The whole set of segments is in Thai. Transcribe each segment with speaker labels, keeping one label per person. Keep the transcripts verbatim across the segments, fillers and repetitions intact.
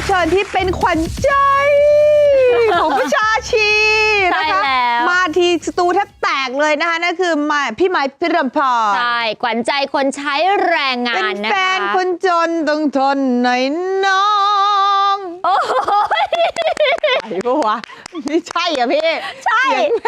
Speaker 1: เชิญที่เป็นขวัญใจของประชาชีนะคะมาทีสตูแทบแตกเลยนะคะนั่นคือมาพี่ไม้พิรมพร
Speaker 2: ใช่ขวัญใจคนใช้แรงงานนะคะเป็น
Speaker 1: แฟนคนจนต้องทนหน่อยน้อง
Speaker 2: โอ้ย
Speaker 1: ไอ้ปะวะไม่ใช่อ่ะพี่
Speaker 2: ใช่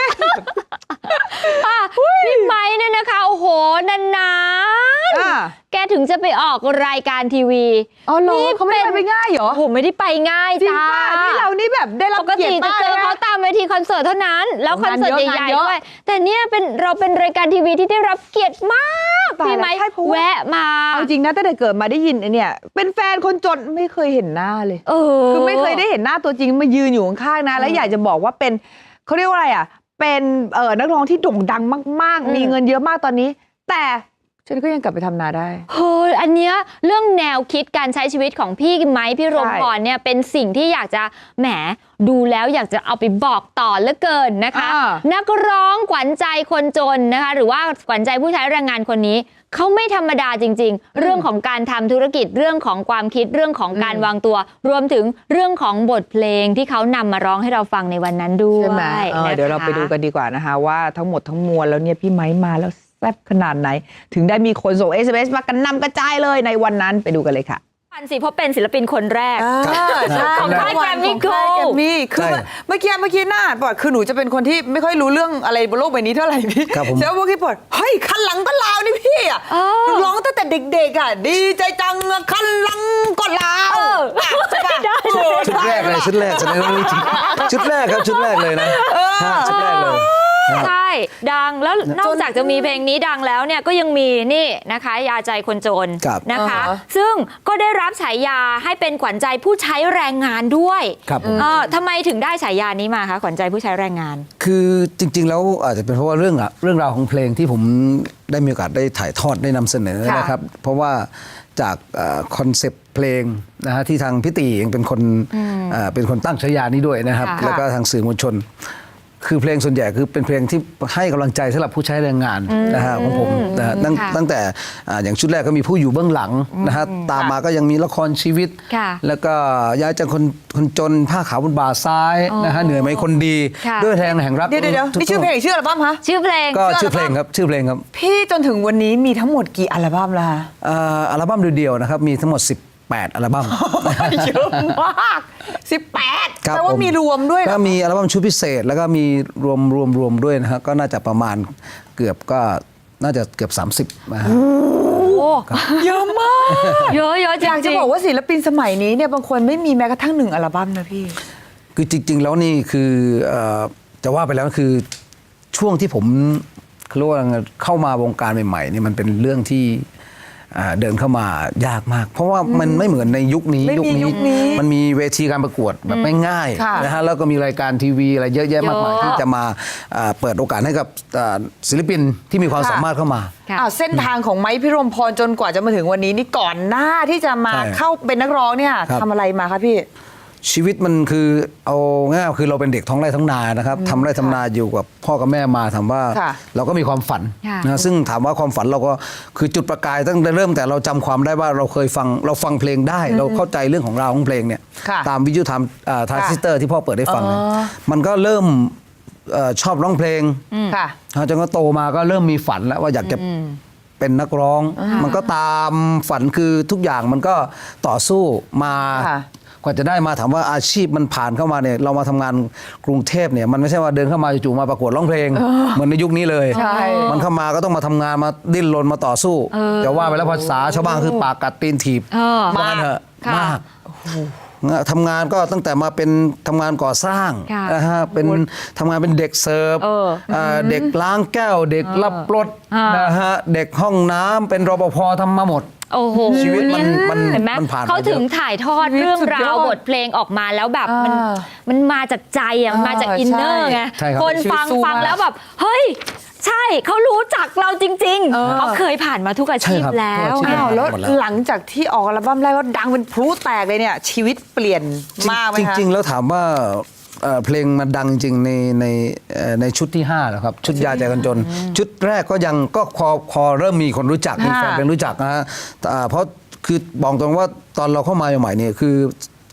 Speaker 2: พี่ไม้เนี่ยนะคะโอ้โหนานๆแกถึงจะไปออกรายการทีวี
Speaker 1: อ๋อเหรอเขาไม่ได้ไปง่ายเหรอ
Speaker 2: ผมไม่ได้ไปง่ายจ้า
Speaker 1: นี่เรานี่แบบได้รับเกียรติมากเลยนะ
Speaker 2: ปกติจะเจอเขาตามเวทีคอนเสิร์ตเท่านั้นแล้วคอนเสิร์ตใหญ่ๆด้วยแต่เนี่ยเป็นเราเป็นรายการทีวีที่ได้รับเกียรติมากพี่ไม้แวะมา
Speaker 1: เอาจริงนะตั้งแต่เกิดมาได้ยินเนี่ยเป็นแฟนคนจนไม่เคยเห็นหน้าเลยคือไม่เคยได้เห็นหน้าตัวจริงมายืนอยู่ข้างๆนะแล้วอยากจะบอกว่าเป็นเขาเรียกว่าอะไรอ่ะเป็นเอ่อนักร้องที่โด่งดังมากๆมีเงินเยอะมากตอนนี้แต่ฉันก็ยังกลับไปทำนาได้
Speaker 2: เฮ้ยอันเนี้ยเรื่องแนวคิดการใช้ชีวิตของพี่ไม้พี่รมพรเนี่ยเป็นสิ่งที่อยากจะแหมดูแล้วอยากจะเอาไปบอกต่อเหลือเกินนะคะนักร้องขวัญใจคนจนนะคะหรือว่าขวัญใจผู้ใช้แรงงานคนนี้เขาไม่ธรรมดาจริงๆเรื่องของการทำธุรกิจเรื่องของความคิดเรื่องของการวางตัวรวมถึงเรื่องของบทเพลงที่เขานำมาร้องให้เราฟังในวันนั้นด้วย
Speaker 1: ใช่ไหมเดี๋ยวเราไปดูกันดีกว่านะคะว่าทั้งหมดทั้งมวลแล้วเนี่ยพี่ไม้มาแล้วแซ่บขนาดไหนถึงได้มีคนส่ง เอส เอ็ม เอส มากันนำกระจายเลยในวันนั้นไปดูกันเลยค่ะ
Speaker 2: ปันสิเพราะเป็นศิลปินคนแรกของค่ายแกรมมี่โกลด์
Speaker 1: มีคือเมื่อกี้เมื่อกี้หน้าปอดคือหนูจะเป็นคนที่ไม่ค่อยรู้เรื่องอะไรบนโลกใบนี้เท่าไหร่พี่เจ้าพวกที่ปอดเฮ้ยคันหลังก็ลาวนี่พี่อ่ะร้องตั้งแต่เด็กๆอ่ะดีใจจังคันหลังก็ลาวใช่ป่ะ
Speaker 3: ชุดแรกเลยชุดแรกแสดงว่ารู้จริงชุดแรกครับชุดแรกเลยนะชุดแรกเลย
Speaker 2: ใช่ดังแล้วนอกจากจะมีเพลงนี้ดังแล้วเนี่ยก็ยังมีนี่นะคะยาใจคนจนนะคะซึ่งก็ได้รับฉายาให้เป็นขวัญใจผู้ใช้แรงงานด้วยทำไมถึงได้ฉายานี้มาคะขวัญใจผู้ใช้แรงงาน
Speaker 3: คือจริงๆแล้วอาจจะเป็นเพราะว่าเรื่องเรื่องราวของเพลงที่ผมได้มีโอกาสได้ถ่ายทอดได้นำเสนอนะครับเพราะว่าจากคอนเซปต์เพลงนะฮะที่ทางพี่ตีเองเป็นคนเป็นคนตั้งฉายานี้ด้วยนะครับแล้วก็ทางสื่อมวลชนคือเพลงส่วนใหญ่คือเป็นเพลงที่ให้กำลังใจสำหรับผู้ใช้แรงงานนะฮะของผมนะฮะตั้งแต่อย่างชุดแรกก็มีผู้อยู่เบื้องหลังนะฮะตามมาก็ยังมีละครชีวิตแล้วก็ย้ายจากคนคนจนผ้าขาวบนบ่าซ้ายนะฮะเหนื่อยไหมคนดีด้วยแรงแห่งรัก
Speaker 1: เดี๋ยวเดี๋ยวนี่ชื่อเพลงชื่ออัลบั้มคะ
Speaker 2: ชื่อเพลง
Speaker 3: ก็ชื่อเพลงครับชื่อเพลงครับ
Speaker 1: พี่จนถึงวันนี้มีทั้งหมดกี่อัลบั้มแล้วคะ
Speaker 3: อัลบั้มเดียวๆนะครับมีทั้งหมดสิบแปดอัลบั้ม
Speaker 1: เยอะมากสิบแปดแปลว่ามีรวมด้วย
Speaker 3: ก็มีอัลบั้มชุดพิเศษแล้วก็มีรวมรวมรวมด้วยนะฮะก็น่าจะประมาณเกือบก็น่าจะเกือบสามสิบนะฮะ
Speaker 1: เยอะมาก
Speaker 2: เยอะเยอะจริง
Speaker 1: อยากจะบอกว่าศิลปินสมัยนี้เนี่ยบางคนไม่มีแม้กระทั่งหนึ่งอัลบั้มนะพี่
Speaker 3: คือจริงๆแล้วนี่คือจะว่าไปแล้วคือช่วงที่ผมเรียกว่าเข้ามาวงการใหม่ๆนี่มันเป็นเรื่องที่เดินเข้ามายากมากเพราะว่ามันไม่เหมือนในยุคนี้ยุคนี้มันมีเวทีการประกวดแบบไม่ง่ายนะฮะแล้วก็มีรายการทีวีอะไรเยอะแยะมากมายที่จะมาเปิดโอกาสให้กับศิลปินที่มีความสามารถเข้ามา
Speaker 1: เส้นทางของไม้พิรมพรจนกว่าจะมาถึงวันนี้นี่ก่อนหน้าที่จะมาเข้าเป็นนักร้องเนี่ยทำอะไรมาคะพี่
Speaker 3: ชีวิตมันคือเอาง่ายคือเราเป็นเด็กท้องไร่ท้องนานะครับทำไร่ทำนาอยู่กับพ่อกับแม่มาถามว่าเราก็มีความฝันนะซึ่งถามว่าความฝันเราก็คือจุดประกายตั้งแต่เริ่มแต่เราจำความได้ว่าเราเคยฟังเราฟังเพลงได้เราเข้าใจเรื่องของราวของเพลงเนี่ยตามวิทยุทรทรานซิสเตอร์ที่พ่อเปิดให้ฟังมันก็เริ่มชอบร้องเพลงจนก็โตมาก็เริ่มมีฝันแล้วว่าอยากจะเป็นนักร้องมันก็ตามฝันคือทุกอย่างมันก็ต่อสู้มากว่าจะได้มาถามว่าอาชีพมันผ่านเข้ามาเนี่ยเรามาทำงานกรุงเทพเนี่ยมันไม่ใช่ว่าเดินเข้ามาจู่ๆมาประกวดร้องเพลงเหมือนในยุคนี้เลยมันเข้ามาก็ต้องมาทำงานมาดิ้นรนมาต่อสู้จะว่าไปแล้วภาษาชาวบ้านคือปากกัดตีนถีบมากเถอะมากทำงานก็ตั้งแต่มาเป็นทำงานก่อสร้างนะฮะเป็นทำงานเป็นเด็กเสิร์ฟเด็กล้างแก้วเด็กรับรถนะฮะเด็กห้องน้ำเป็นรปภทำมาหมด
Speaker 2: โอ้โห
Speaker 3: ชีวิตมันมัน
Speaker 2: มันผ่านเขาถึงถ่ายทอดเรื่องราวบทเพลงออกมาแล้วแบบมันมันมาจากใจอ่ะมาจากอินเนอร์ไงคนฟังฟังแล้วแบบเฮ้ยใช่เขารู้จักเราจริงๆเขาเคยผ่านมาทุกอาชีพแล้ว
Speaker 1: แล้วหลังจากที่ออกอัลบั้มแรกก็ดังเป็นพลุแตกเลยเนี่ยชีวิตเปลี่ยนมากไหม
Speaker 3: คะจริงๆแล้วถามว่าเพลงมันดังจริงในในในชุดที่ห้าแล้วครับชุดยาใจคนจนชุดแรกก็ยังก็พอพอเริ่มมีคนรู้จักมีแฟนเพลงรู้จักนะฮะเพราะคือบอกตรงว่าตอนเราเข้ามาใหม่ๆเนี่ยคือ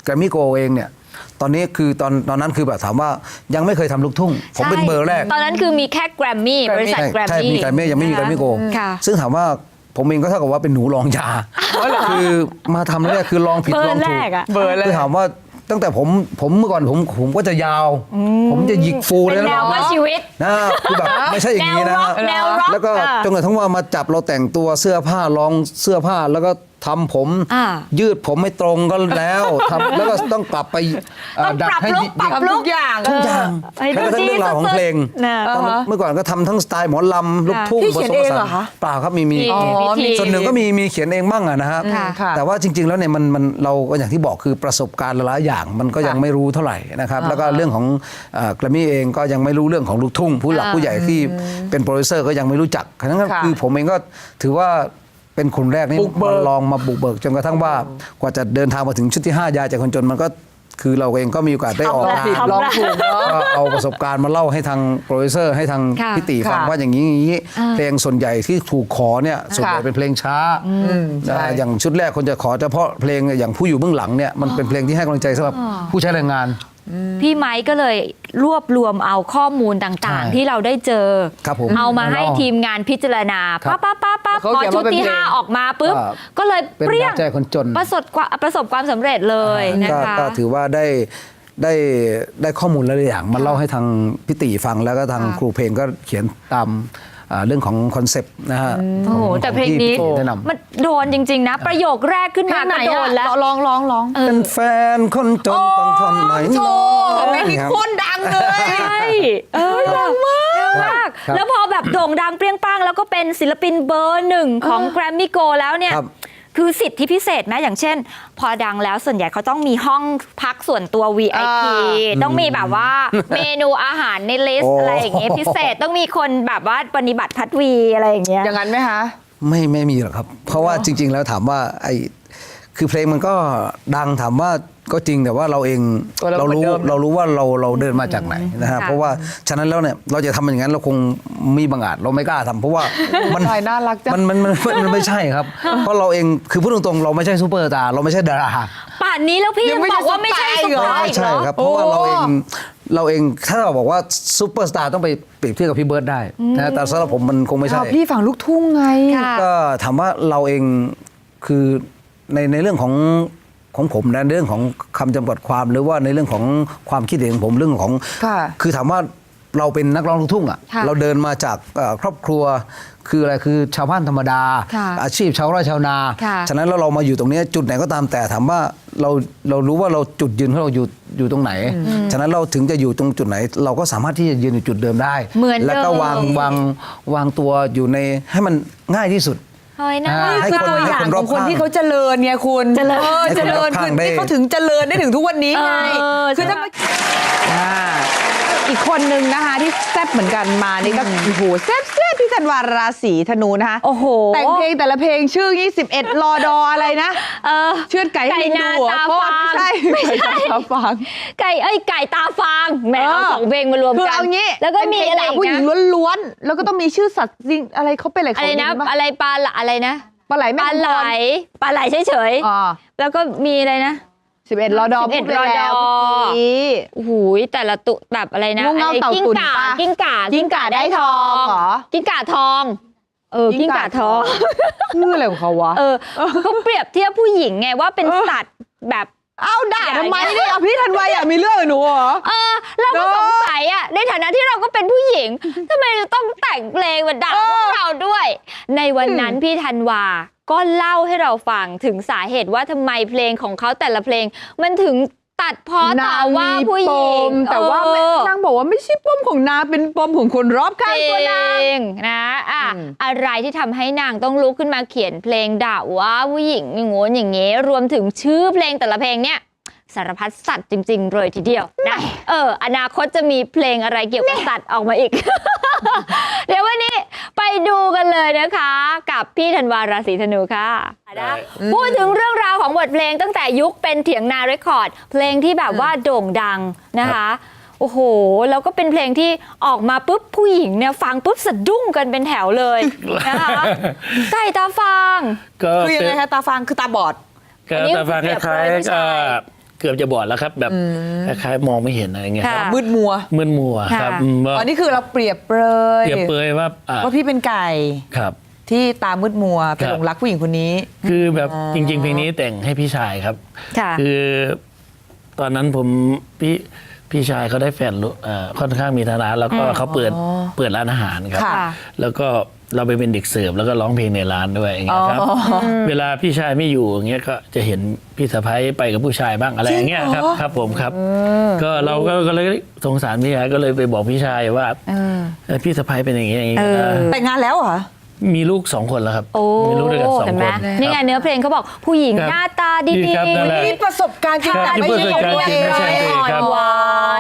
Speaker 3: รมมี่โกเองเนี่ยตอนนี้คือตอนตอนนั้นคือแบบถามว่ายังไม่เคยทำลูกทุ่งผมเป็นเบอร์แรก
Speaker 2: ตอนนั้นคือมีแค่แกรมมี่บริษัทแกรม
Speaker 3: ใช่
Speaker 2: มี่
Speaker 3: มีแกรมมี่ยังไม่มีแกรมมี่โก
Speaker 2: ค่ะ
Speaker 3: ซึ่งถามว่าผมเองก็เท่ากับว่าเป็นหนูลองยาคือมาทำแรกคือลองผิด
Speaker 2: เบอร์
Speaker 3: ลองถู
Speaker 2: แร
Speaker 3: ก
Speaker 2: กอะ
Speaker 1: เบอร์แรก
Speaker 3: คือถามว่าตั้งแต่ผมผมเมื่อก่อนผมผมก็จะยาว ผมจะหยิกฟู
Speaker 2: เป็
Speaker 3: เลย
Speaker 2: น
Speaker 3: นะ
Speaker 2: แนวเพื่อชีวิต
Speaker 3: นะคือแบบไม่ใช่อย่างนี้นะฮะ
Speaker 2: แนวร็อก
Speaker 3: แล้วก็
Speaker 2: อ่ะ
Speaker 3: จนกระทั่งว่ามาจับเราแต่งตัวเสื้อผ้าลองเสื้อผ้าแล้วก็ทำผม
Speaker 2: อ่า
Speaker 3: ยืดผมไม่ตรงก็แล้วทำแล้วก็ต้องกลับไปเอ่อ
Speaker 2: ต้อง
Speaker 3: ดัด
Speaker 2: ปรับ
Speaker 3: ให้
Speaker 2: ลุ
Speaker 3: ห
Speaker 2: ค
Speaker 3: ยิก
Speaker 2: ปรับ
Speaker 1: ทำทุกอย่าง
Speaker 3: ทุกอย่าง
Speaker 2: เออ
Speaker 3: แม้กระทั่งเรื่องราวของเพลง
Speaker 2: น่ะ
Speaker 3: ตอนนั้นเมื่อก่อนก็ทำทั้งสไตล์หมอลำลูกทุ่ง
Speaker 1: พี่เขียนเองเหรอคะ
Speaker 3: เปล่าครับมีมี
Speaker 2: มี
Speaker 1: อ๋อ
Speaker 2: วิธี
Speaker 3: ส่วนหนึ่งก็มีมีเขียนเองบ้างอะนะฮะ
Speaker 2: ค่ะ
Speaker 1: ค่ะ
Speaker 3: แต่ว่าจริง ๆ แล้วเนี่ยมันมันเราก็อย่างที่บอกคือประสบการณ์หลายๆอย่างมันก็ยังไม่รู้เท่าไหร่นะครับแล้วก็เรื่องของแกรมมี่เองก็ยังไม่รู้เรื่องของลูกทุ่ง ผู้หลักผู้ใหญ่ที่เป็นโปรดิวเซอร์ก็ยังไม่รู้จักฉะนั้นก็
Speaker 1: ค่ะ
Speaker 3: คือผมเองก็ถือว่าเป็นคนแรกนี่
Speaker 1: บุกเบิก
Speaker 3: มาลองมาบุกเบิกจนกระทั่งว่ากว่าจะเดินทางมาถึงชุดที่ห้ายาจากคนจนมันก็คือเราเองก็มีโอกาสได้ออก
Speaker 1: ลอง
Speaker 3: งาน
Speaker 1: ผิดลองถูกเนาะ
Speaker 3: ก็เอาประสบการณ์มาเล่าให้ทางโปรดิวเซอร์ให้ทาง
Speaker 2: ค่ะ
Speaker 3: พี่ตีฟัง
Speaker 1: ค่ะ
Speaker 3: ว่าอย่างนี้อย่างนี้เพลงส่วนใหญ่ที่ถูกขอเนี่ยส่วนใหญ่
Speaker 1: ค่ะ
Speaker 3: เป็นเพลงช้า
Speaker 1: ใช่
Speaker 3: อ่าอย่างชุดแรกคนจะขอเฉพาะเพลงอย่างผู้อยู่เบื้องหลังเนี่ยมันเป็นเพลงที่ให้กำลังใจสำหรับผู้ใช้แรงงาน
Speaker 2: พี่ไม้ก็เลยรวบรวมเอาข้อมูลต่าง
Speaker 3: ใช่
Speaker 2: ๆ ที่เราได้เจอ
Speaker 3: ครับผม
Speaker 2: เอามาให้
Speaker 3: เอา
Speaker 2: ทีมงานพิจารณา
Speaker 3: ครับ
Speaker 2: ปั๊บปั๊บปั๊บปั๊บ
Speaker 1: เขา
Speaker 2: พอ
Speaker 1: เขียน
Speaker 2: ชุด
Speaker 1: ว่าเป็น
Speaker 2: ที่
Speaker 1: เพลง
Speaker 2: ห้าออกมาปุ๊บ
Speaker 3: อ่า
Speaker 2: ก็เลย
Speaker 3: เป็น
Speaker 2: เปรี้ยง
Speaker 3: หัวใจคนจน
Speaker 2: ประสบความประสบความสำเร็จเลยนะ
Speaker 3: ก็
Speaker 2: คะ
Speaker 3: ก็ถือว่าได้ได้ได้ข้อมูลหลายๆอย่างมาเล่าให้ทางพี่ติฟังแล้วก็ทาง
Speaker 2: ค่ะ
Speaker 3: ครูเพลงก็เขียนตามอ่าเรื่องของคอนเซปต์นะฮะ
Speaker 2: โอ้โห
Speaker 3: ของ
Speaker 2: แต่เพลงนี้
Speaker 3: ที่พี่ติแนะนำ
Speaker 2: มันโดนจริง ๆ นะ ประโยคแรกขึ้น
Speaker 1: เพล
Speaker 2: มาง
Speaker 1: ไหน
Speaker 2: ก็โด
Speaker 1: อะ
Speaker 2: นแล้ว
Speaker 1: ลองลองลอง
Speaker 3: เป็นแฟนคนจนต้องทนไหน
Speaker 1: โชว์เพลงนี้
Speaker 3: ครับ
Speaker 1: โคตรดังเลย
Speaker 2: ใช่เออดังมากดังมาก
Speaker 3: ครับ
Speaker 2: แล้วพอแบบโด่งดังเปรี้ยงป้างแล้วก็เป็นศิลปินเบอร์หนึ่งของแกรมมี่โกแล้วเนี่ย
Speaker 3: ครับ
Speaker 2: คือสิทธิพิเศษไหมอย่างเช่น พอดังแล้วส่วนใหญ่เขาต้องมีห้องพักส่วนตัว วี ไอ พี
Speaker 1: อ่า
Speaker 2: ต้องมีแบบว่าเมนูอาหารในลิส
Speaker 3: โอ้
Speaker 2: ต์อะไรอย่างเงี้ยพิเศษต้องมีคนแบบว่าปฏิบัติพัดวีอะไรอย่างเงี้ย
Speaker 1: อย่างนั้นไหมคะ
Speaker 3: ไม่ไม่มีหรอกครับ เพราะว่าจริง ๆ แล้วถามว่าไอคือเพลงมันก็ดังถามว่าก็จริงแต่ว่าเราเอง
Speaker 1: ตัวเรา
Speaker 3: เรารู้
Speaker 1: เหมือนเดิมนะ
Speaker 3: เรารู้ว่าเราเราเดินมาจากไหนนะฮะ
Speaker 2: ค่ะ
Speaker 3: เพราะว่าฉะนั้นแล้วเนี่ยเราจะทำอย่างนั้นเราคงมีบางอาจเราไม่กล้าทำเพราะว่ามัน
Speaker 1: ใช่น่ารักจัง
Speaker 3: มันมันมันมันมันไม่ใช่ครับ เพราะเราเองคือพูดตรงๆเราไม่ใช่ซูเปอร์สตาร์เราไม่ใช่ดารา
Speaker 2: ป่านนี้แล้วพี่
Speaker 1: ยั
Speaker 2: ยัง ง
Speaker 1: ไม่
Speaker 2: บอกว่าไม่ใช่
Speaker 1: ใช่
Speaker 2: ส
Speaker 1: เหรอ
Speaker 2: ปาย
Speaker 3: ไม่
Speaker 2: อีก
Speaker 3: ใช่
Speaker 2: เหรอ
Speaker 3: ครับเพราะว่า
Speaker 1: โอ้
Speaker 3: เราเองเราเองถ้าเราบอกว่าซูเปอร์สตาร์ต้องไปเปรียบเทียบกับพี่เบิร์ดได้นะแต่สำหรับผมมันคงไม่ใช่
Speaker 1: อ้าวพี่ฝั่งลูกทุ่งไง
Speaker 2: ค่ะ
Speaker 3: ก็ถามว่าเราเองคือในในเรื่องของของผมนะเรื่องของคำจำกัดความหรือว่าในเรื่องของความคิดเห็นของผมเรื่องของ
Speaker 1: ค่ะ
Speaker 3: คือถามว่าเราเป็นนักร้องลูกทุ่งอ่ะ
Speaker 2: ค่ะ
Speaker 3: เราเดินมาจากเอ่อครอบครัวคืออะไรคือชาวบ้านธรรมดา
Speaker 2: ค่ะ
Speaker 3: อาชีพชาวไร่ชาวนา
Speaker 2: ค่ะ
Speaker 3: ฉะนั้นแล้วเรามาอยู่ตรงนี้จุดไหนก็ตามแต่ถามว่าเราเรารู้ว่าเราจุดยืนของเราอยู่อยู่ตรงไหน ฉะนั้นเราถึงจะอยู่ตรงจุดไหน เราก็สามารถที่จะยืนอยู่จุดเดิมได้
Speaker 2: เหมือนเดิม
Speaker 3: แล้วก็วางวางวางตัวอยู่ในให้มันง่ายที่สุด
Speaker 2: เฮ้ยน่า
Speaker 3: อ่า
Speaker 2: รัก
Speaker 3: ให้
Speaker 1: คือ
Speaker 3: คน
Speaker 1: ตัวอย่าง
Speaker 3: ให้คนร
Speaker 1: ข
Speaker 3: อ
Speaker 1: อบ งคน
Speaker 3: ข้าง
Speaker 1: ที่เขาเจริญไงคุณ
Speaker 2: เจริญ
Speaker 1: ออ
Speaker 3: ให้คน
Speaker 1: เจริญ
Speaker 3: รอบข้าง
Speaker 1: คือ
Speaker 3: ได้
Speaker 1: ที่เขาถึงเจริญได้ถึงทุกวันนี้ไง
Speaker 2: เออ
Speaker 1: คือ
Speaker 2: ใช่
Speaker 1: ถ้าไม่อ่าอีกคนนึงนะคะที่แซ่บเหมือนกันมานี่ก็โอ้โหแซ่บแซ่บพี่ธันวาราศีธนูนะคะ
Speaker 2: โอ้โห
Speaker 1: แต่งเพลงแต่ละเพลงชื่อยี่สิบเอ็ดรอดออะไรนะ
Speaker 2: เออ
Speaker 1: เชือดไก่ให้ลิงดูเหรอ
Speaker 2: ไก่นาตา
Speaker 1: โทษ
Speaker 2: ฟาง
Speaker 1: ไม่ใช่
Speaker 2: ไม่ใช่
Speaker 1: ไก่ตาฟาง
Speaker 2: ไก่เอ้ยไก่ตาฟางแหม
Speaker 1: เออ
Speaker 2: เอาสองเพลงมารวม
Speaker 1: คือ
Speaker 2: กัน
Speaker 1: เอางี้
Speaker 2: แล้วก็มี
Speaker 1: เป็นเพลง
Speaker 2: อะไร
Speaker 1: ด่า
Speaker 2: อีก
Speaker 1: ผู้หญิง
Speaker 2: นะ
Speaker 1: ล้วนๆแล้วก็ต้องมีชื่อสัตว์จริงอะไรเขาเป็นอะไร
Speaker 2: อะ
Speaker 1: เขา
Speaker 2: ไรนะ
Speaker 1: เยป
Speaker 2: อะไรปลาละอะไรนะ
Speaker 1: ปลาไหล
Speaker 2: ป
Speaker 1: แม่
Speaker 2: ลา
Speaker 1: คำ
Speaker 2: ไหล
Speaker 1: พร
Speaker 2: ปลาไหลเฉย
Speaker 1: อ๋อ
Speaker 2: ๆแล้วก็มีอะไรนะ
Speaker 1: สิบเอ็ดรอดอ
Speaker 2: สิบเอ็ด
Speaker 1: พูไปแล้ว
Speaker 2: รอดอ
Speaker 1: เมื่อกี้
Speaker 2: โอ้โหแต่ละตุแบบอะไรนะ
Speaker 1: งูเง่า
Speaker 2: อะไร
Speaker 1: เต่า
Speaker 2: กิ้ง
Speaker 1: ตุ่น
Speaker 2: ก่า
Speaker 1: ปะ
Speaker 2: กิ้งก่า
Speaker 1: กิ้งก่าได้ทองเหรอ
Speaker 2: กิ้งก่าทอง เออกิ้งก่าทอง
Speaker 1: ชื่ออะไรของเขาวะ
Speaker 2: เออเขาเปรียบเทียบผู้หญิงไงว่าเป็นสัตว์แบบ
Speaker 1: เอ้าด่า
Speaker 2: อย่า
Speaker 1: ทำไม
Speaker 2: อย่า
Speaker 1: เนี่ยพี่ธันวาอยากมีเรื่องกับหนูเหรอ
Speaker 2: เออเราก็
Speaker 1: เนอะ
Speaker 2: สงสัยอ่ะในฐานะที่เราก็เป็นผู้หญิงทำไมเราต้องแต่งเพลงมาด่า
Speaker 1: เออ
Speaker 2: พวกเราด้วย ในวันนั้นพี่ธันวาก็เล่าให้เราฟังถึงสาเหตุว่าทำไมเพลงของเขาแต่ละเพลง มันถึงตัดพ้อต่อว่าผู้หญิง
Speaker 1: แต่ว่า
Speaker 2: เออ
Speaker 1: นางบอกว่าไม่ใช่ปมของนางเป็นปมของคนรอบข้าง
Speaker 2: จ
Speaker 1: ตัวนาง
Speaker 2: ริงนะอ่ะ
Speaker 1: อืม
Speaker 2: อะไรที่ทำให้นางต้องลุกขึ้นมาเขียนเพลงด่าว่าผู้หญิงอย่างงู้นอย่างงี้รวมถึงชื่อเพลงแต่ละเพลงเนี่ยสารพัดสัตว์จริง ๆ เลยทีเดียวนะเอออนาคตจะมีเพลงอะไรเกี่ยวกับสัตว์ออกมาอีก เดี๋ยววันนี้ไปดูกันเลยนะคะ กับพี่ธันวาราศีธนูค่ะนะพูดถึงเรื่องราวของบทเพลงตั้งแต่ยุคเป็นเถียงนาเรคคอร์ด เพลงที่แบบว่าโด่งดังนะคะ โอ้โห แล้วก็เป็นเพลงที่ออกมาปุ๊บผู้หญิงเนี่ยฟังปุ๊บสะดุ้งกันเป็นแถวเลยนะคะไก่ตาฟาง
Speaker 4: ก็
Speaker 1: คือยัง
Speaker 4: เป็
Speaker 1: ไง
Speaker 4: น
Speaker 1: คะตาฟางคือตาบอด
Speaker 4: ก็
Speaker 2: อันนี้
Speaker 4: แต่ฟังคล้าย
Speaker 2: เปรียบเทียบผู้
Speaker 4: ๆ
Speaker 2: ชา
Speaker 4: ก็
Speaker 2: ย
Speaker 4: เกือบจะบอดแล้วครับ แบบคล้ายๆมองไม่เห็นอะไรเงี้ยครับ
Speaker 1: มืดมัว
Speaker 4: มึนมัวครับ
Speaker 2: ค่ะ
Speaker 4: อืมว่า
Speaker 1: อันนี้คือเราเปรียบเปรย
Speaker 4: เปรียบเปรยว่าอ่ะ
Speaker 1: ว่าพี่เป็นไก่
Speaker 4: ครับ
Speaker 1: ที่ตามืดมัวไป
Speaker 4: ครับ
Speaker 1: หลงรักผู้หญิงคนนี้
Speaker 4: คือแบบจริง ๆ เพลงนี้แต่งให้พี่ชายครับ
Speaker 2: ค่ะ
Speaker 4: คือตอนนั้นผมพี่พี่ชายเขาได้แฟนรู้เอ่อค่อนข้างมีฐานะแล้วก็เขาเปิดเปิดร้านอาหารครับ
Speaker 1: ค่ะ
Speaker 4: แล้วก็เราไปเป็นเด็กเสิร์ฟแล้วก็ร้องเพลงในร้านด้วยอย่างเงี้ยครับ เวลาพี่ชายไม่อยู่อย่างเงี้ยก็จะเห็นพี่สะพ้ายไปกับผู้ชายบ้างอะไรอย่างเงี้ยครับครับผมครับ ก็เราก็ก็เลยสงสารพี่ชายก็เลยไปบอกพี่ชายว่าเออพี่สะพ้ายเป็นอย่างเงี้ยอย่างเงี้ย
Speaker 2: เออ
Speaker 1: แต่งงานแล้วเหรอ
Speaker 4: มีลูกสองคนแล้วครับ
Speaker 2: โอ้
Speaker 4: มีลูกด้วยกันสอง
Speaker 2: เห็น
Speaker 4: ค
Speaker 2: ไหม
Speaker 4: น
Speaker 2: นี่ไงเนื้อเพลงเขาบอกผู้หญิง
Speaker 4: ครับ
Speaker 2: หน้าตาดี
Speaker 4: ดีครับนั่นแหละ
Speaker 1: นี่ประสบการณ์จริง
Speaker 4: ครับ
Speaker 1: ไม่
Speaker 4: นี่
Speaker 1: ใช่
Speaker 4: ประสบการณ์จริงไม่ใช่ตัวเองครับ
Speaker 2: หวาน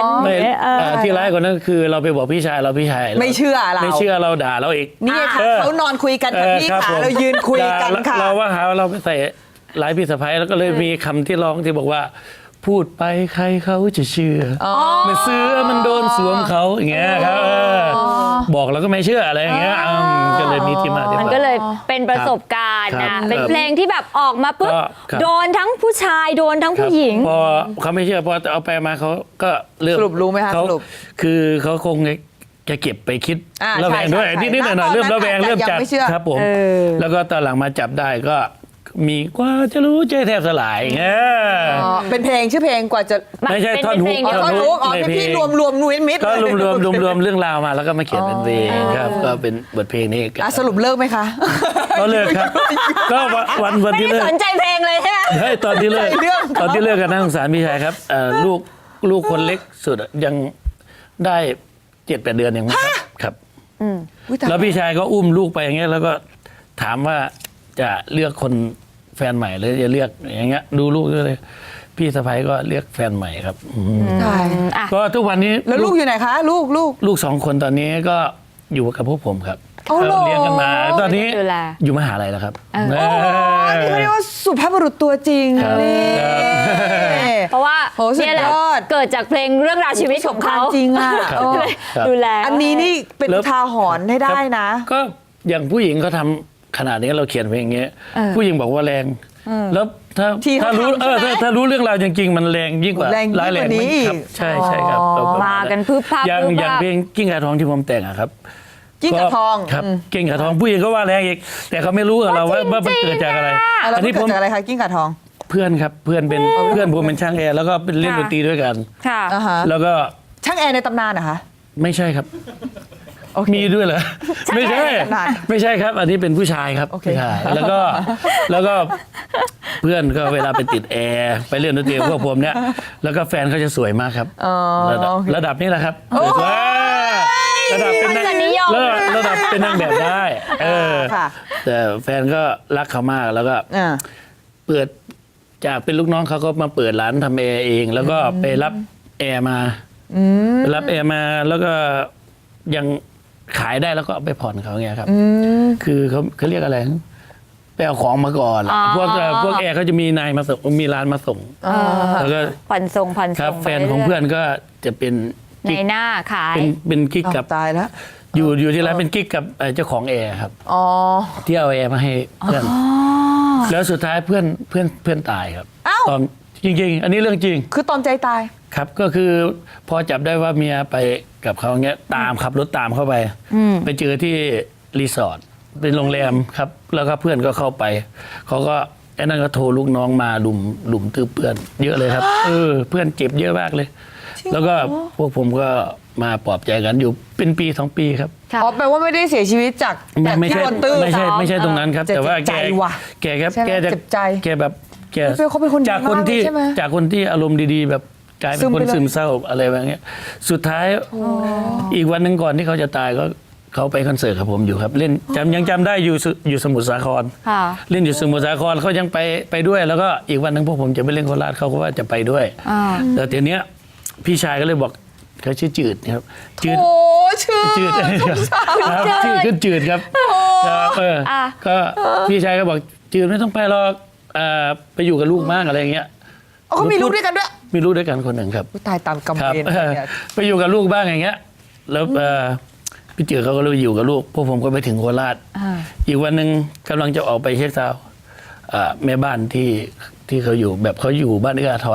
Speaker 4: ไม่
Speaker 2: เออ
Speaker 4: เอ่อที่ร้ายกว่านั้นคือเราไปบอกพี่ชายเราพี่ชาย
Speaker 1: ไม่เชื่อเรา
Speaker 4: ไม่เชื่อเราด่าเราอีก
Speaker 1: นี่ไงค่ะ
Speaker 4: ออ
Speaker 1: เขานอนคุยกัน
Speaker 4: เอ
Speaker 1: ค่ะ
Speaker 4: อ
Speaker 1: พี่
Speaker 4: รับ
Speaker 1: ขา
Speaker 4: ผม
Speaker 1: เรายืนคุยกัน
Speaker 4: ด่า
Speaker 1: ค่ะ
Speaker 4: เราว่าหาว่าเราไปใส่ร้ายพี่สะพ้ายแล้วก็เลยมีคำที่ร้องที่บอกว่า พูดไปใครเขาจะเชื่ออมันเสื้อมันโดนสวมเขาอย่างเงี้ยครับเออบอกเราก็ไม่เชื่ออะไรอย่างเงี้ยอืมก็เลยมีที่มาที่
Speaker 2: มัน
Speaker 4: ไป
Speaker 2: ก็เลยเป็นประสบการณ์
Speaker 4: ครั
Speaker 2: นะ
Speaker 4: บ
Speaker 2: เป็นเพลงที่แบบออกมาปุ๊บ
Speaker 4: ก็ครับ
Speaker 2: โดนทั้งผู้ชายโดนทั้งผู้หญิง
Speaker 4: พอเขาไม่เชื่อพอเอาไปมาเขาก็เริ่ม
Speaker 1: สรุปรู้ไหมคะ
Speaker 4: เขา
Speaker 1: สรุป
Speaker 4: คือเขาคงจะเก็บไปคิด
Speaker 1: อ่า
Speaker 4: ระแวงด้วย
Speaker 1: ใช่ใช่
Speaker 4: นิดๆหน่อยๆ
Speaker 1: ณ
Speaker 4: เริ่มระแวง
Speaker 1: ตอนนั้น
Speaker 4: เริ่มจับ
Speaker 1: อาจจะยังไม่เชื่อ
Speaker 4: ครับผม
Speaker 2: เออ
Speaker 4: แล้วก็ตอนหลังมาจับได้ก็มีกว่าจะรู้ใจแทบสลายเงี้ย
Speaker 1: อ๋อเป็นเพลงชื่อเพลงกว่าจะ
Speaker 4: ไม่ใช่
Speaker 2: เป็น
Speaker 4: ท่อนฮุก
Speaker 2: เพลง
Speaker 1: อ๋อ
Speaker 2: เดียว
Speaker 1: ท่อน
Speaker 4: ฮุ
Speaker 1: รู้
Speaker 4: ก
Speaker 1: อ๋อ
Speaker 4: ใน
Speaker 1: เป็น
Speaker 4: เพล
Speaker 1: พี่
Speaker 4: ง
Speaker 1: รวมรวมนุ้ยมิด
Speaker 4: ก็รวมๆรวมๆเรื่องราวมาแล้วก็มาเขียนเป็นเพลงครับก็เป็นบทเพลงนี้
Speaker 1: อ่ะสรุปเลิกไหมคะ
Speaker 4: ก็เลิกครับ ก็วันวัน
Speaker 2: ไม่
Speaker 4: ที่
Speaker 2: ได้
Speaker 4: เลิก
Speaker 2: สนใจเพลงเลยใช่ไหม
Speaker 4: เฮ้ยตอนที่เลิก
Speaker 1: ใช่เรื่อง
Speaker 4: ตอนที่เลิกกันน่าสงสารพี่ชายครับเอ่อลูกลูกคนเล็กสุดอะยังได้เจ็ดแปดเดือนยังไม่ครับครับ
Speaker 1: อุ๊ยตาย
Speaker 4: แล้วพี่ชายก็อุ้มลูกไปอย่างเงี้ยแล้วก็ถามว่าจะเลือกคนแฟนใหม่หรือจะเลือกอย่างเงี้ยดูลูกด้วยเลยพี่สะใภ้ก็เลือกแฟนใหม่ครับอืม
Speaker 1: ตาย
Speaker 2: อ่ะ
Speaker 4: ก็ทุกวันนี้
Speaker 1: แล้วลูกอยู่ไหนคะ ลูกลูก
Speaker 4: ลูกสองคนตอนนี้ก็อยู่กับพวกผมครับ
Speaker 1: อ๋อเหรอ
Speaker 4: เลี้ยงกันมาตอนนี้
Speaker 2: ดูแล
Speaker 4: อยู่มหาลัยแล้วครับ
Speaker 2: เออ
Speaker 4: เออ
Speaker 1: นี่เขาเรียกว่าสุภาพบุรุษตัวจริง
Speaker 4: ครับ
Speaker 1: นี่
Speaker 4: ครับ
Speaker 2: เพราะว่า
Speaker 1: โหสุด
Speaker 2: เนี่ยแหละ
Speaker 1: ยอด
Speaker 2: เกิดจากเพลงเรื่องราวชีวิตของเขา
Speaker 1: จริงอ่ะ
Speaker 4: ครับ
Speaker 1: เออ
Speaker 4: ครับ
Speaker 2: ดูแล
Speaker 1: อันนี้นี่เป็น
Speaker 4: แล้ว
Speaker 1: ทาหรณ์ให้ได้นะ
Speaker 4: ก็อย่างผู้หญิงเขาทำขนาดนี้เราเขียนเพลงอย่างเงี้ย
Speaker 2: เออ
Speaker 4: ผู้หญิงบอกว่าแรง แล้วถ้า
Speaker 1: ที่เขา
Speaker 4: ถ้ารู้
Speaker 1: ทำ
Speaker 4: เออ
Speaker 1: ใช่ไหม
Speaker 4: ถ้าถ้ารู้เรื่องราวจริงๆมันแรงยิ่งกว่า
Speaker 1: แรงยิ่ง
Speaker 4: ร้ายแรง
Speaker 1: กว่านี้
Speaker 4: ครับใช่ใช่ครับ
Speaker 1: อ๋อ
Speaker 4: ประณ
Speaker 2: มากันพึบพับ
Speaker 4: อย่าง
Speaker 2: พึบพับ
Speaker 4: อย่างเพลงกิ้งก่าทองที่ผมแต่งอะครับ
Speaker 1: กิ้งก่าทอง
Speaker 4: ครับ
Speaker 1: อืม
Speaker 4: กิ้งก่าทองผู้หญิงก็ว่าแรงอีกแต่เขาไม่รู้กับเราว่าว่ามันเกิดจากอะไร
Speaker 1: อ่ะแล้ว
Speaker 4: อัน
Speaker 1: มัน
Speaker 4: นี้
Speaker 1: เกิ
Speaker 4: ผ
Speaker 1: ด
Speaker 4: ม
Speaker 1: จากอะไรคะกิ้งก่าทอง
Speaker 4: เพื่อนครับเพื่อนเป็นเพื่อนผมเป็นช่างแอร์แล้วก็เป็นเล่นดนตรีด้วยกัน
Speaker 2: ค่ะ
Speaker 1: อ่าฮะ
Speaker 4: แล้วก็
Speaker 1: ช่างแอร์ในตำนานเหรอคะ
Speaker 4: ไม่ใช่ครับ
Speaker 1: โอเค
Speaker 4: มีด้วยเหรอไม่ใช่
Speaker 1: ขนาด
Speaker 4: ไม่ใช่ครับ อันนี้เป็นผู้ชายครับ
Speaker 1: โอเค
Speaker 4: ผู้ชายแล้วก็แล้วก็เพื่อนก็เวลาไปติดแอร์ไปเล่นดนตรีกับพวกผมเนี่ยแล้วก็แฟนเขาจะสวยมากครับ
Speaker 1: อ๋อ
Speaker 4: ระดับ
Speaker 1: โอเค
Speaker 4: ระดับนี้แหละครับสวยๆระดับเป็นนาง
Speaker 2: รสนิยม
Speaker 4: ระดับระดับเป็นนางแบบได้เออ
Speaker 1: ค่ะ
Speaker 4: แต่แฟนก็รักเขามากแล้วก็
Speaker 1: อ่า
Speaker 4: เปิดจากเป็นลูกน้องเขาก็มาเปิดร้านทำแอร์เอง แล้วก็ไปรับแอร์มาไปรับแอร์มาแล้วก็ยังขายได้แล้วก็เอาไปผ่อนเขาเงี้ยครับ คือเขาเขาเรียกอะไรไปเอาของมาก่อน
Speaker 2: อ๋อ
Speaker 4: พวกเอ่อพวกแอร์เขาจะมีนายมาส่งมีร้านมาส่ง
Speaker 2: เออ
Speaker 4: แล้วก็
Speaker 2: ผ่อนส่งผ่อน
Speaker 4: ครั
Speaker 2: ส่
Speaker 4: บ
Speaker 2: ง
Speaker 4: แฟนของเพื่อนก็จะเป็น
Speaker 2: ใน
Speaker 4: กิ๊ก
Speaker 2: หน้าขาย
Speaker 4: เป็นเป็นกิ๊ก
Speaker 1: อ้าว
Speaker 4: กับ
Speaker 1: ตายแล้ว
Speaker 4: อยู่อยู่ที่ร้านเป็นกิ๊กกับเอ่อเจ้าของแอร์ครับ
Speaker 1: อ๋อ
Speaker 4: ที่เอาแอร์มาให้เพื่อนแล้วสุดท้ายเพื่อนเพื่อนเพื่อนตายครับ
Speaker 1: อ้าว
Speaker 4: ตอนจริง ๆ อันนี้เรื่องจริง
Speaker 1: คือตอมใจตาย
Speaker 4: ครับก็คือพอจับได้ว่าเมียไปกับเขาเงี้ยตามขับรถตามเข้าไป ไปเจอที่รีสอร์ทเป็นโรงแรมครับ แล้วก็เพื่อนก็เข้าไปเขาก็ไอ้นั่นก็โทรลูกน้องมาลุมลุมตื้อเพื่อน เยอะเลยครับ เออ เพื่อนเจ็บเยอะมากเลย แล้วก็พวกผมก็มาปลอบใจกันอยู่เป็นปีสองปีครับ
Speaker 2: ค่ะ
Speaker 1: อ๋อแปลว่าไม่ได้เสียชีวิตจาก
Speaker 4: ไม่
Speaker 1: จาก
Speaker 4: ไม่
Speaker 1: ที่
Speaker 4: ใช่
Speaker 1: โดนตื้อ
Speaker 4: ไม่ใช่ไม่ใช่ตรงนั้นครับ
Speaker 1: เจ็บ
Speaker 4: แต่ว่า
Speaker 1: ใจ
Speaker 4: แก
Speaker 1: ว่ะ
Speaker 4: แกครับ
Speaker 1: ใช่ไหม
Speaker 4: แกจะ
Speaker 1: เจ็บใจ
Speaker 4: แกแบบแก
Speaker 1: เฮ้ยเขาเป็นคนดี
Speaker 4: จากคนที่
Speaker 1: มากเลยใช่ไหม
Speaker 4: จากคนที่อารมณ์ดีๆ แบบกลายเป็
Speaker 1: ซึ
Speaker 4: น
Speaker 1: ม
Speaker 4: คน
Speaker 1: ไปเลย
Speaker 4: ซึมเศร้าอะไรแบบเงี้ยสุดท้ายอีกวันหนึ่งก่อนที่เขาจะตายก็เขาไปคอนเสิร์ตกับผมอยู่ครับ เล่นจำยังจำได้อยู่สุอยู่สมุทรสาคร
Speaker 2: ค่ะ
Speaker 4: เล่นอยู่สมุทรสาครเขายังไปไปด้วย แล้วก็อีกวันหนึ่งพวกผมจะไปเล่นโคราชเขาก็ว่าจะไปด้วย
Speaker 2: อ่า
Speaker 4: แต่ทีเนี้ยพี่ชายก็เลยบอกเขาชื่อจืดครับจืด
Speaker 1: โอ้ชื่อ
Speaker 4: จืดครับชื่อขึ้นจืดครับครับเออ
Speaker 2: อ่ะ
Speaker 4: ก็พี่ชายก็บอกจืดไม่ต้องไปหรอกอ่าไปอยู่กับลูกมากอะไรอย่างเงี้ย
Speaker 1: อ๋อเขามีลูกด้วยกันด้วย
Speaker 4: มีลูกด้วยกันคนหนึ่งครับ
Speaker 1: อุ๊ยตายตามกรรม
Speaker 4: ครับ
Speaker 1: เวร
Speaker 4: เออ
Speaker 1: เนี่ย
Speaker 4: ไปอยู่กับลูกบ้างอย่างเงี้ย แล้วเอ่อพี่จืดเขาก็เลยอยู่กับลูกพวกผมก็ไปถึงโคราช
Speaker 2: อ่า
Speaker 4: อีกวันหนึ่งกำลังจะออกไปเช็คซาวด์อ่าแม่บ้านที่ที่เขาอยู่แบบเขาอยู่บ้านเอื้ออาทรนะครับ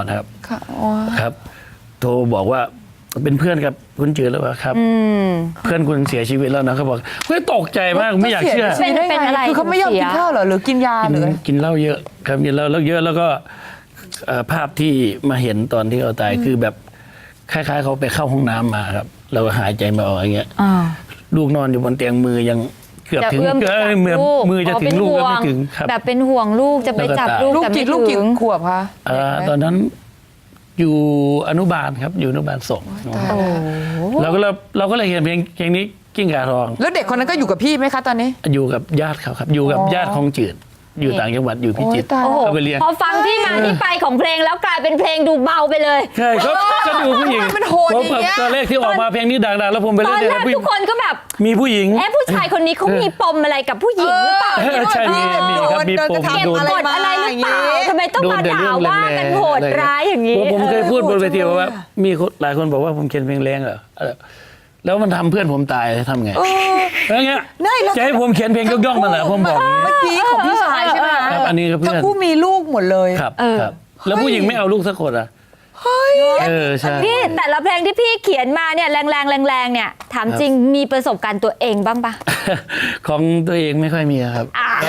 Speaker 1: ค่ะอ๋อ
Speaker 4: ครับ โทรบอกว่าเป็นเพื่อนกับคุณจืดแล้วว่าครับ
Speaker 2: อืม
Speaker 4: เพื่อนคุณเสียชีวิตแล้วนะเขาบอกเฮ้ยตกใจมากไม่อยากเชื่อ
Speaker 1: สียได้
Speaker 2: เป็น
Speaker 1: ไง
Speaker 2: อะไร
Speaker 1: คือเขาไม่ยอมกินข้าวเหรอหรือกินยา
Speaker 4: กิน
Speaker 1: หรือ
Speaker 4: กินเหล้าเยอะครับกินเหล้าแล้วเยอะแล้วก็เอ่อภาพที่มาเห็นตอนที่เขาตายคือแบบคล้ายๆเขาไปเข้าห้องน้ำมาครับเราหายใจไม่ออกอย่างเงี้ย
Speaker 2: อ่า
Speaker 4: ลูกนอนอยู่บนเตียงมือยังเกือบ
Speaker 2: จะ
Speaker 4: ถึง
Speaker 2: เอื้อมไป
Speaker 4: เอ้
Speaker 2: จั
Speaker 4: ย
Speaker 2: บ
Speaker 4: มือ
Speaker 2: ลูก
Speaker 4: มือจะถึงลูกก็ไม่ถึงครับ
Speaker 2: แบบเป็นห่วงลูกจะไปจับลูก
Speaker 1: ลูก
Speaker 2: แต่
Speaker 1: กี่
Speaker 2: ไม่
Speaker 1: ลูก
Speaker 2: ถึ
Speaker 1: กี่
Speaker 2: ง
Speaker 1: ขวบคะ
Speaker 4: เอ่อตอนนั้นอยู่อนุบาลครับอยู่อนุบาลสอง
Speaker 1: ตายแล้ว
Speaker 4: เราก็เราเราก็เลยเห็นเพลงเพลงนี้กิ้งก่าทอง
Speaker 1: แล้วเด็กคนนั้นก็อยู่กับพี่ไหมคะตอนนี้
Speaker 4: อยู่กับญาติเขาครับ อยู่กับ
Speaker 1: อ๋อ
Speaker 4: ญาติของจืดอยู่ต่างจังหวัดอยู่พิจิตร
Speaker 1: โอ้ยตาย
Speaker 2: โอ้โห
Speaker 4: เอาไปเรียน
Speaker 2: พอฟังที่มาที่ไปของเพลงแล้วกลายเป็นเพลงดูเบาไปเลย
Speaker 4: ใช่ก็ก็ดูผู้หญิง
Speaker 1: มันโหด
Speaker 4: ผม
Speaker 1: อย่างเงี้ย
Speaker 4: ตอนแรกที่ออกมาเพลงนี้ดังๆแล้วผมไป
Speaker 2: ต
Speaker 4: เล่
Speaker 2: อน น
Speaker 4: เด็
Speaker 2: แรก
Speaker 4: ผู้หญิ
Speaker 2: ทุ
Speaker 4: ง
Speaker 2: กคนก็แบบ
Speaker 4: มีผู้หญิง
Speaker 2: เอ๊ะผู้ชายคนนี้เขามีปมอะไรกับผู้หญิงหรือเปล่า
Speaker 4: เออใช่มีมีครับมีปม
Speaker 2: เก็บ
Speaker 4: โดน
Speaker 2: กดอะไรหรือเปล่าทำไมต้องมาด่าว่ากันโหดร้ายอย่างนี้
Speaker 4: ผมผมเคยพูดบนเวที
Speaker 1: เออ
Speaker 4: ว่ามีคนหลายคนบอกว่าผมเขียนเพลงแรงเหรอเออแล้วมันทำเพื่อนผมตายทำไงแล้วเงี้ย
Speaker 1: ได้แล้ว
Speaker 4: จะให้ผมเขียนเพลงย่องๆมาเหรอผมบอกอย่างนี้
Speaker 1: เมื่อกี้ของพี่ชายใช่ไหม
Speaker 4: ครับอันนี้ก็เพื่อน
Speaker 1: ทั้งคู่มีลูกหมดเลย
Speaker 4: ครับครับ แล้วผู้หญิงไม่เอาลูกสักคนอ่ะเออใช่
Speaker 2: พี่แต่ละเพลงที่พี่เขียนมาเนี่ยแรงแรงแรงแรงๆเนี่ยถามจริงมีประสบการณ์ตัวเองบ้างปะ
Speaker 4: ของตัวเองไม่ค่อยมีครับ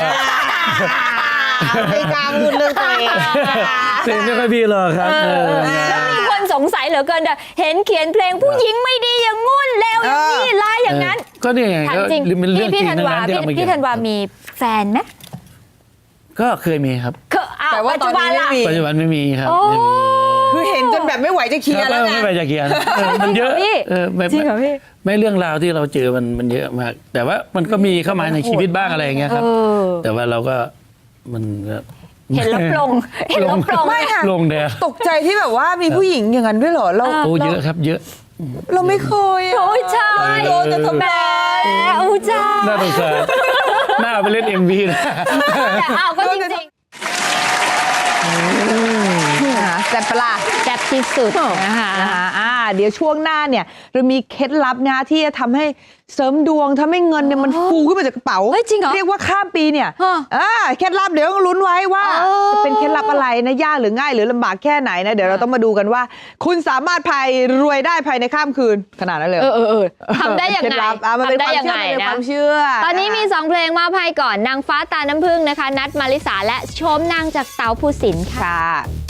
Speaker 1: ไม่กล้าพูดเรื่องตัวเอง
Speaker 4: ตัวเองไม่ค่อยมีหรอกครับเออ
Speaker 2: แล้วมีคนสงสัยเหลือเกินเด้อเห็นเขียนเพลงผู้หญิงไม่ดีอย่างงุ่นเลวอย่างนี้ร้ายอย่างนั้น
Speaker 4: ก็นี่ไง
Speaker 2: ถาม
Speaker 4: ก็
Speaker 2: จริง
Speaker 4: เป็นเรื่
Speaker 2: พี่
Speaker 4: องจริ
Speaker 2: พี่
Speaker 4: ง
Speaker 2: ธัน
Speaker 4: ทั้ง
Speaker 2: วา
Speaker 4: นั้นที่
Speaker 2: พี่
Speaker 4: เอามาเขี
Speaker 2: พี่
Speaker 4: ยน
Speaker 2: ธันวามีแฟนไหม
Speaker 4: ก็เคยมีครับ
Speaker 2: คืออ้าว
Speaker 1: แต่ว่า
Speaker 2: ปัจ
Speaker 1: ตอ
Speaker 2: จุ
Speaker 1: น
Speaker 2: บัน
Speaker 1: นี้
Speaker 2: ล่ะ
Speaker 1: ไม่มี
Speaker 4: ปัจจุบันไม่มีครับ
Speaker 2: โอ้
Speaker 4: ไม่มี
Speaker 1: คือเห็นจนแบบไม่ไหวจะเคลียร์แล้ว
Speaker 4: เออ
Speaker 1: ไง
Speaker 4: ไม่ไปจะเขียนเออมันเยอะ
Speaker 2: พี่
Speaker 4: เออไม่
Speaker 2: จริงเหรอพี่
Speaker 4: ไม่เรื่องราวที่เราเจอมันมันเยอะมาก แต่ว่ามันก็มีเข้ามาในชีวิตบ้างอะไรอย่างเงี้ยครับ
Speaker 2: เออ
Speaker 4: แต่ว่าเราก็มันก็
Speaker 2: เห็นแล้วปลงเห็นแล้วปลง
Speaker 1: ไม่ค่ะ
Speaker 4: ลงแดง
Speaker 1: ตกใจที่แบบว่ามีผู้หญิงอย่างนั้นด้วยเหรอเรา
Speaker 4: โอ้เยอะครับ เยอะ
Speaker 1: เราไม่เคยอะ
Speaker 2: โอ้ยใช่
Speaker 1: โดนจะทำร้าย
Speaker 2: โอ้ยใช่
Speaker 4: น่าสงสารน่าเอาไปเล่น เอ็ม วี นะ
Speaker 2: แต่เอาก็จริง
Speaker 1: นะแซ่บปะล่ะ
Speaker 2: ๆแซ่บที่สุดนะคะ
Speaker 1: นะคะอ่าเดี๋ยวช่วงหน้าเนี่ยเรามีเคล็ดลับนะที่จะทำให้เสริมดวงทำให้เงินเนี่ยมันฟูขึ้นมาจากกระเป๋า
Speaker 2: เฮ้ยจริงเหรอ
Speaker 1: เรียกว่าข้ามปีเนี่ย
Speaker 2: ฮะ
Speaker 1: อ่าเคล็ดลับเดี๋ยวต้องลุ้นไว้ว่า
Speaker 2: อ๋อ
Speaker 1: จะเป็นเคล็ดลับอะไรนะยากหรือง่ายหรือลำบากแค่ไหนนะเดี๋ยวเราต้องมาดูกันว่า คุณสามารถภายรวยได้ภายในข้ามคืนขนาดนั้นเลยหร
Speaker 2: เออเออเออทำได้ยัง
Speaker 1: เคล็
Speaker 2: ไง
Speaker 1: ลับอ่ะมันเป็น
Speaker 2: ทำ
Speaker 1: ค
Speaker 2: ได้
Speaker 1: วาม
Speaker 2: ยัง
Speaker 1: เชื่
Speaker 2: ไง
Speaker 1: อมันเป็น
Speaker 2: นะ
Speaker 1: ความเชื่อ
Speaker 2: ตอนนี้มี
Speaker 1: ะคะ
Speaker 2: สองเพลงมอบให้ก่อนนางฟ้าตาน้ำผึ้งนะคะ นัดมาริสาและโชมนางจากเต๋าภูสินทร์ค่ะ
Speaker 1: ค่ะ